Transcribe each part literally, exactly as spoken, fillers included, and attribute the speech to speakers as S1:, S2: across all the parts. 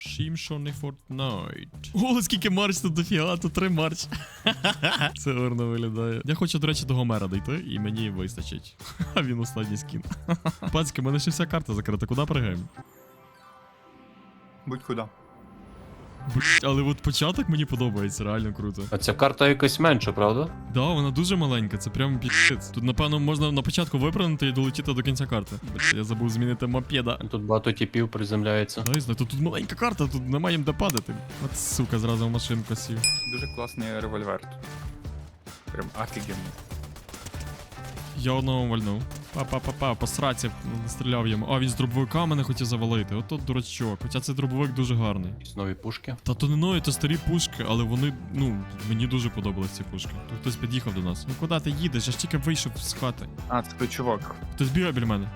S1: Шім, що не Fortnite. О, скільки марч тут дофіга, тут три марч. Це гарно виглядає. Я хочу, до речі, до Гомера дійти, і мені вистачить. А він останній скін. Пацьки, в мене ще вся карта закрита, куди пригаємо?
S2: Будь-куди.
S1: Блять, але от початок мені подобається, реально круто.
S3: А ця карта якась менша, правда?
S1: Да, вона дуже маленька, це прям пі***ць. Тут, напевно, можна на початку випрыгнути і долетіти до кінця карти. Блять, я забув змінити мопеда.
S3: Тут багато типів приземляється.
S1: Да, знаю, тут, тут маленька карта, тут немає їм де падати. От сука, зразу в машинку сів.
S2: Дуже класний револьвер тут. Прям офігенний.
S1: Я одного вальнув. Па-па-па-па, по сраці стріляв йому. А, він з дробовика мене хотів завалити. Ото дурачок. Хоча цей дробовик дуже гарний.
S3: Якісь нові пушки.
S1: Та то не нові, то старі пушки, але вони, ну, мені дуже подобались ці пушки. Тут хтось під'їхав до нас. Ну куди ти їдеш? Я ж тільки вийшов з хати.
S2: А, це той чувак.
S1: Хтось бігає біля мене.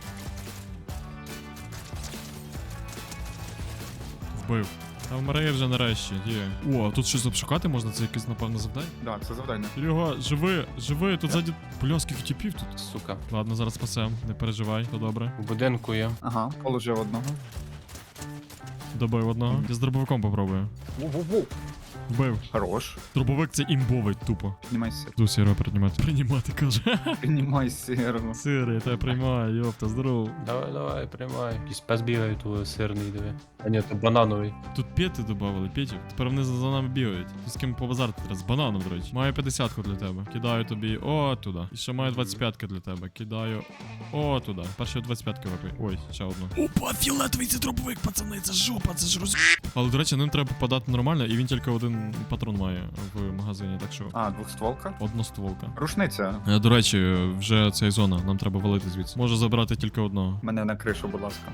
S1: Вбив. Та вмирає вже нарешті, є. О, а тут щось обшукати можна? Це якесь, напевно, завдання?
S2: Да, це завдання.
S1: Серега, живи, живи, тут ззаді... Бля, скільки тіпів тут.
S3: Сука.
S1: Ладно, зараз спасем, не переживай, то добре.
S3: В будинку є.
S2: Ага, положив одного.
S1: Добив одного. Я з дробовиком попробую.
S2: Ву-ву-ву.
S1: Вбив.
S2: Хорош.
S1: Дробовик це імбовий, тупо.
S2: Піднімайся.
S1: Ду сіро приймати. Приймати, каже.
S2: Піднімай сиру.
S1: Сири, я тебе приймаю, йопта, здоров.
S3: Давай, давай, приймай. Якийсь пес бігає, то сирний, диви. А ні, то банановий.
S1: Тут п'яти додавали, п'ятів. Тепер вони за за нами бігають. Ти з ким побазарити треба? З бананом, до речі. Маю п'ятдесятку для тебе. Кидаю тобі о туди. І ще маю двадцять п'ятки для тебе. Кидаю о туди. Перші двадцять п'ятки випий. Ой, ще одну. Опа, фіолетовий це дробовик, пацани, це жопа, це ж роз... Але, до речі, ним треба попадати нормально, і він тільки один патрон має в магазині, так що...
S2: А, двохстволка.
S1: Одностволка.
S2: Рушниця.
S1: Е, До речі, вже ця зона, нам треба валити звідси. Можу забрати тільки одного.
S2: Мене на кришу, будь ласка.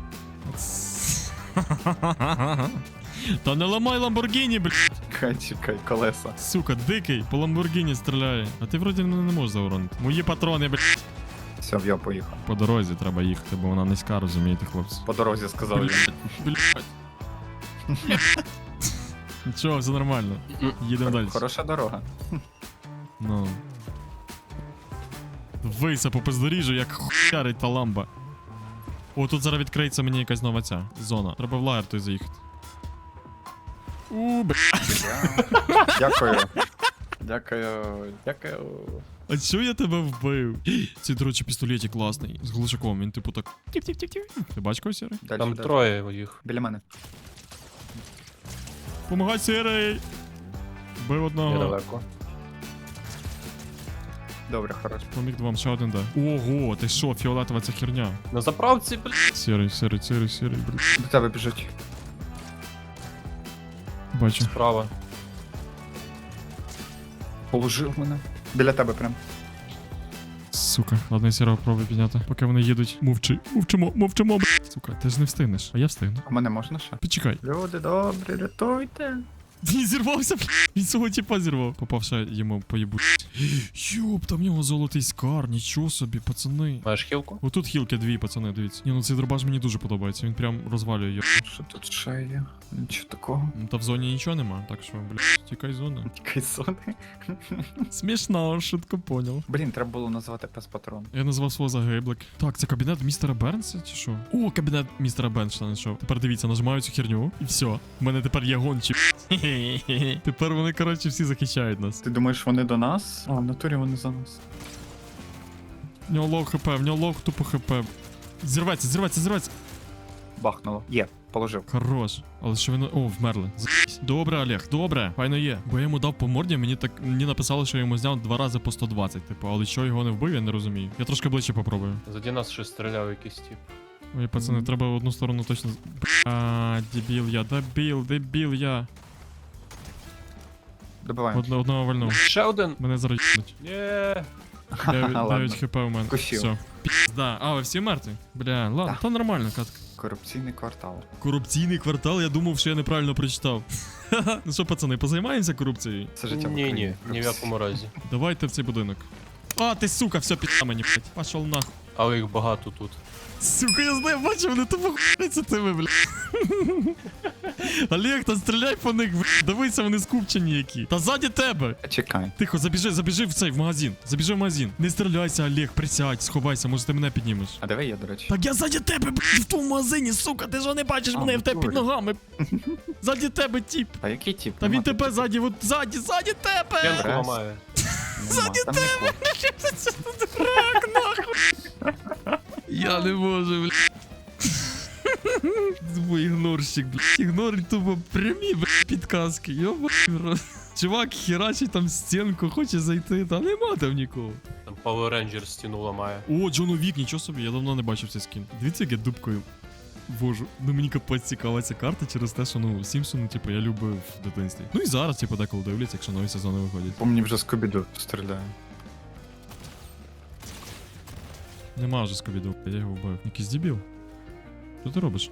S1: Та не ламай Ламборгіні, блядь.
S2: Чекай, чекай, колеса.
S1: Сука, дикий, по Ламборгіні стріляє. А ти вроді мене не можеш зауронити. Мої патрони, блядь.
S2: Все, я поїхав.
S1: По дорозі треба їхати, бо вона низька, розумієте, хлопці.
S2: По дорозі сказав він.
S1: Блядь. Нічого, все нормально. Їдемо далі.
S2: Хороша дорога.
S1: Ну. Вийся по бездоріжжю, як хуярить та ламба. О, тут зараз відкриється мені якась нова ця зона. Треба в лагер той заїхати. У, б***.
S2: Дякую. Дякую. Дякую.
S1: А чого я тебе вбив? Цей, до речі, пістолеті класний. З глушаком, він типу так. Тіп-тіп-тіп-тіп. Ти бачиш когось, Сірий?
S2: Дальше,
S3: Там
S2: дальше.
S3: троє їх.
S2: Біля мене.
S1: Помагай, Сірий! Вбив одного.
S3: Недалеко.
S2: Добре, хорош.
S1: Поміг двом, ще один де. Ого, ти що, фіолетова ця херня.
S3: На заправці, блядь.
S1: Сірий, сірий, сірий, сірий, блін.
S2: До тебе біжуть.
S1: Бачу.
S3: Справа.
S2: Положив мене. Біля тебе прям.
S1: Сука, ладно, я сірого пробую підняти. Поки вони їдуть. Мовчи, мовчимо, мовчимо, блядь. Сука, ти ж не встигнеш, а я встигну.
S2: А мене можна ще?
S1: Почекай.
S2: Люди добрі, рятуйте.
S1: Він зірвався, блядь. Він свого тіпа зірвав. Попав ще йому поїбу. Йоп, там в нього золотий скар, нічого собі, пацани.
S3: Маєш хілку?
S1: Отут хілки дві, пацани, дивіться. Ні, ну цей дробаш мені дуже подобається, він прям розвалює його.
S2: Що тут ще є? Нічого такого.
S1: Ну, та в зоні нічого нема, так що, блядь, тікай з зони.
S2: Тікай сони.
S1: Смішно, швидко поняв.
S2: Блін, треба було назвати пес патрон.
S1: Я назвав свого загиблик. Так, це кабінет містера Бернса чи що? О, кабінет містера Бернса знайшов. Тепер дивіться, нажимаю цю херню і все. У мене тепер є гончі. Тепер вони, коротше, всі захищають нас.
S2: Ти думаєш, вони до нас? А, в натурі вони за нас.
S1: В нього лов хп, в нього лов тупо хп. Зірветься, зірветься, зірветься.
S2: Бахнуло. Є, положив.
S1: Хорош. Але що він... О, вмерли. З***сь. Добре, Олег, добре. Файно є. Бо я йому дав по морді, мені так мені написали, що я йому зняв два рази по сто двадцять, типу, але що його не вбив, я не розумію. Я трошки ближче попробую.
S3: Заді нас ще стріляв якийсь тип.
S1: Ой, пацани, треба в одну сторону точно. А, дебіл я, дебіл, дебіл я.
S2: Добиваємо.
S1: Одно, одного вальнув.
S3: Ще один.
S1: Мене зараз їбнуть.
S3: Є.
S1: дев'ять хп у мене.
S2: Косів.
S1: Все. Пізда. А, ви всі мертві? Бля, ладно,
S2: Да.
S1: та нормально, катка.
S2: Корупційний квартал.
S1: Корупційний квартал, я думав, що я неправильно прочитав. Ну що, пацани, позаймаємося корупцією?
S2: Це життя в
S3: Ні, ні,
S2: Україні.
S3: ні в якому разі.
S1: Давайте в цей будинок. А, ти сука, все пізда мені, блядь. Пошел нахуй.
S3: Але їх багато тут.
S1: Сука, я знаю, бачу, вони тупо хуяться тими, бля. Олег, та стріляй по них, бля. Дивися, вони скупчені які. Та ззаді тебе.
S2: Чекай.
S1: Тихо, забіжи, забіжи в цей, в магазин. Забіжи в магазин. Не стріляйся, Олег, присядь, сховайся, може ти мене піднімеш.
S2: А диви, я, до речі.
S1: Так я ззаді тебе, бля, в тому магазині, сука, ти ж не бачиш
S2: А,
S1: мене
S2: в
S1: в тебе під
S2: натурі.
S1: ногами. Ззаді тебе, тіп.
S2: Та який тип?
S1: Та він тебе ззаді, от ззаді, ззаді тебе.
S3: П'янку
S2: Раз.
S3: ламає.
S2: Ззаді тебе!
S1: Рак, нахуй. Я не можу, бля. Твій ігнорщик, бля. Ігнор тупо прямі, бля, підказки. Йоба. Чувак херачить там стінку, хоче зайти, та нема там нікого.
S3: Там Power Ranger стіну ламає.
S1: О, Джон Вік, нічого собі, я давно не бачив цей скін. Дивіться, як я дубкою вожу. Ну мені капець цікава ця карта через те, що ну Сімпсони, типу, я любив в дитинстві. Ну і зараз, типу, деколи дивляться, якщо нові сезони виходять.
S2: По мені вже Скобіду стріляє.
S1: Нема вже скобіду, я його вбив. Якийсь дебіл. Що ти робиш?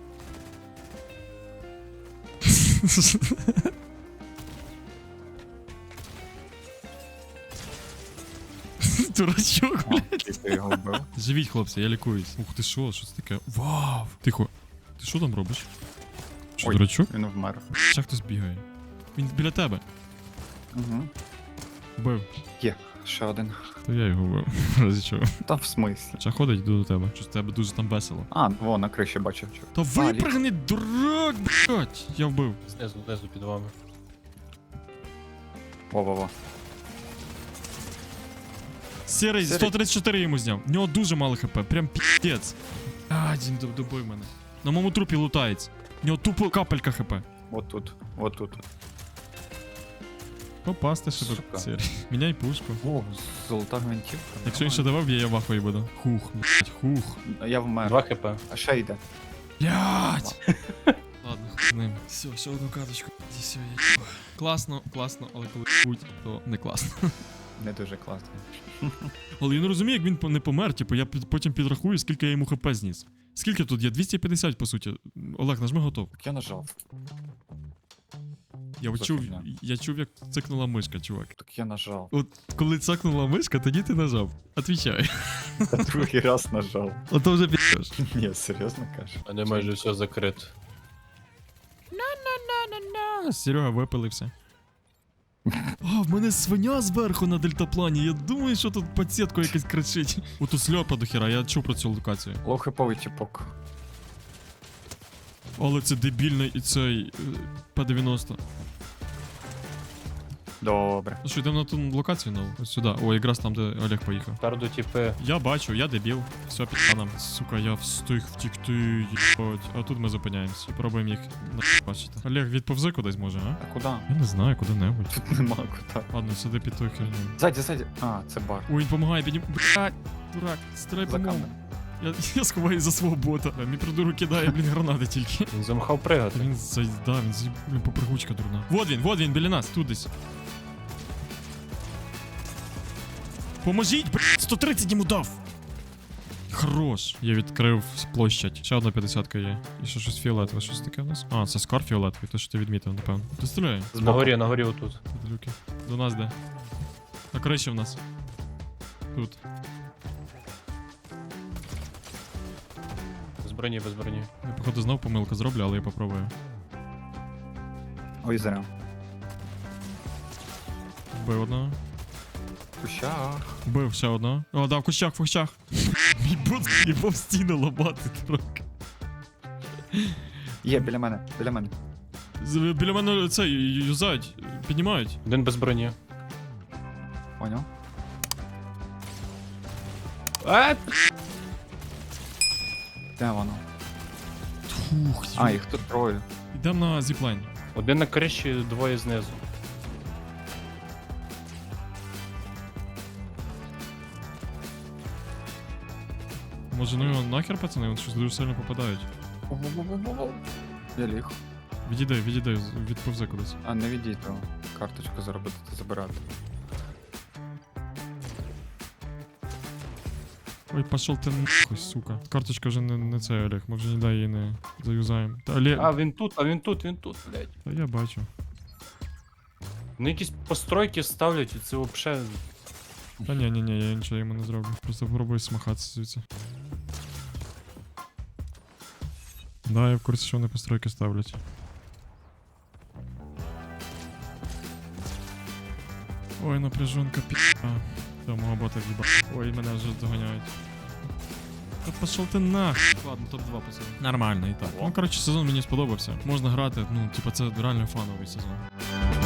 S1: Дурачок,
S2: О, ти його вбив.
S1: живіть, хлопці, я лікуюсь. Ух ти що, що це таке? Вау! Тихо. Ти що там робиш? Що,
S2: Ой.
S1: дурачок?
S2: Він вмер.
S1: Ще хтось бігає. Він біля тебе.
S2: Угу.
S1: Вбив.
S2: Є, ще один.
S1: То я його вбив. Разі чого.
S2: Та в смислі.
S1: Ще ходить, йду до тебе. Що з тебе дуже там весело.
S2: А, во, на криші бачив.
S1: Та випригни, дурак, блять! Я вбив.
S3: Знизу, знизу під вами.
S2: Во-во-во.
S1: Сірий,
S2: Сірий.
S1: сто тридцять чотири йому зняв. У нього дуже мало хп, прям піздець. А, Дім, доб- добий мене. На моєму трупі лутається. У нього тупо капелька хп.
S2: Вот тут, вот тут.
S1: Попасти ще
S2: Сука.
S1: до сірий. Міняй пушку.
S2: О, золота гвинтівка.
S1: Якщо він ще давав, я, я в ахуї буду. Хух, блять, хух.
S2: Я вмер.
S3: Два хп.
S2: А ще йде.
S1: Блять! Ладно, хуй з ним. Все, ще одну каточку. І все, я їбу. Класно, класно, але коли будь, то не класно.
S2: Не дуже класно.
S1: Але я не розумію, як він по- не помер, типу, я під- потім підрахую, скільки я йому хп зніс. Скільки тут є? двісті п'ятдесят, по суті. Олег, нажми готов.
S2: Так я нажав.
S1: Я
S2: Це
S1: чув,
S2: фігня.
S1: я чув, як цикнула мишка, чувак.
S2: Так я нажав.
S1: От коли цикнула мишка, тоді ти нажав. Отвічай.
S2: Та другий раз нажав.
S1: Ото вже підеш.
S2: Ні, серйозно кажеш?
S3: А не майже все закрито.
S1: Серега випилився. А, в мене свиня зверху на дельтаплані. Я думаю, що тут пацієтко якась кричить. Ото сльопа до хіра, я чув про цю локацію.
S2: Лохиповий тіпок.
S1: Але це дебільний і цей е, П дев'яносто.
S2: Добре.
S1: Ну що, йдемо на ту локацію нову? Ось сюди. О, якраз там, де Олег поїхав.
S3: Карду типи.
S1: Я бачу, я дебіл. Все, під нам. Сука, я встиг втікти, їбать. А тут ми зупиняємось. І пробуємо їх бачити. Олег, відповзи кудись може, а?
S2: А куди?
S1: Я не знаю, куди-небудь.
S2: Тут нема куди.
S1: Ладно, сиди під тою херню.
S2: Ззаді, ззаді. А, це бар.
S1: Ой, він помагає, піднім. Блядь, дурак, стріляй
S2: За
S1: по ньому.
S2: камер.
S1: Я, я сховаю за свого бота. Бля, Мій придурок кидає, блін, гранати тільки.
S3: Він замахав пригати.
S1: Він за... Да, він за... Блін, попригучка дурна. Вот він, вот він, біля нас, тут десь. Поможіть, блядь, сто тридцять йому дав. Хорош. Я відкрив площадь. Ще одна п'ятдесятка є. І ще щось фіолетове, щось таке в нас. А, це скар фіолетовий, те, що ти відмітив, напевно. Ти стріляй.
S3: На горі, на горі отут.
S1: Люки. До нас де? На криші в нас. Тут.
S3: Без броні, без броні.
S1: Я, походу, знов помилку зроблю, але я попробую.
S2: Ой, зря.
S1: Вбив одного.
S2: В кущах.
S1: Вбив ще одного. О, да, в кущах, в кущах. Мій бот їбав стіну ламати трохи.
S2: Є, біля мене, біля мене.
S1: З- Біля мене це ю- юзають, піднімають.
S3: Один без броні.
S2: Поняв?
S3: А,
S2: Де воно?
S1: Фух,
S2: А, їх тут троє.
S1: Йдемо на зіплайн.
S3: один на криші, двоє знизу.
S1: Може, ну його нахер, пацани, вони щось дуже сильно попадають.
S2: Я ліг.
S1: Відійди, відійди, з- відповзи кудись.
S2: А, не відійди, то карточку заробити та забирати.
S1: Ой, пошел ти нахуй, сука. Карточка вже не, не це, Олег, ми вже ніде її не заюзаємо. Та, Олег,
S3: А, він тут, а він тут, він тут, блядь.
S1: та я бачу.
S3: Ну якісь постройки ставлять, і це взагалі.
S1: Та ні, ні, ні, я нічого йому не зроблю. Просто попробую смахатися звідси. Да, я в курсі, що вони постройки ставлять. Ой, напряженка пі***а. Та мого бота в'їба. Ой, мене вже доганяють. Та пошов ти нах. Ладно, топ два пацани. Нормально і так. Ну, коротше, сезон мені сподобався. Можна грати, ну, типа, це реально фановий сезон.